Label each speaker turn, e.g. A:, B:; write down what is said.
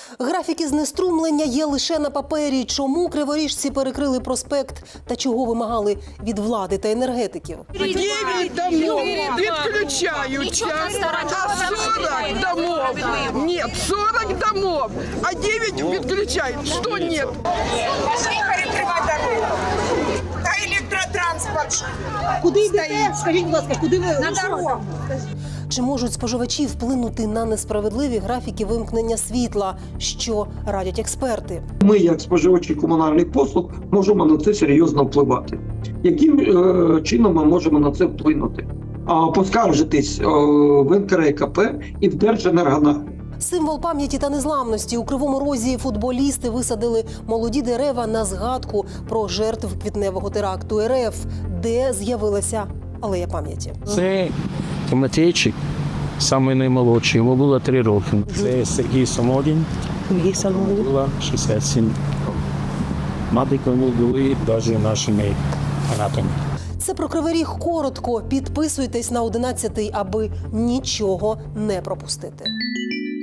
A: Графіки знеструмлення є лише на папері. Чому криворіжці перекрили проспект та чого вимагали від влади та енергетиків?
B: 9 домов відключаються, а 40 домов, нет, 40 домов, а 9 відключають, що нет?
C: Пошли перекривати дорогу. Та електротранспорт.
D: Куди йдете? Скажіть, будь ласка, куди ви?
C: На дорогу.
A: Чи можуть споживачі вплинути на несправедливі графіки вимкнення світла, що радять експерти?
E: Ми, як споживачі комунальних послуг, можемо на це серйозно впливати. Яким чином ми можемо на це вплинути? Поскаржитись в НКРЕКП і в Держенергонагляд.
A: Символ пам'яті та незламності. У Кривому Розі футболісти висадили молоді дерева на згадку про жертв квітневого теракту РФ, де з'явилася алея пам'яті.
F: Це Тимофійчик, самий наймолодший, йому було 3 роки. Це Сергій Самодін, було 67 років. Мати кому були навіть нашими фанатами.
A: Це про Кривий Ріг коротко. Підписуйтесь на 11, аби нічого не пропустити.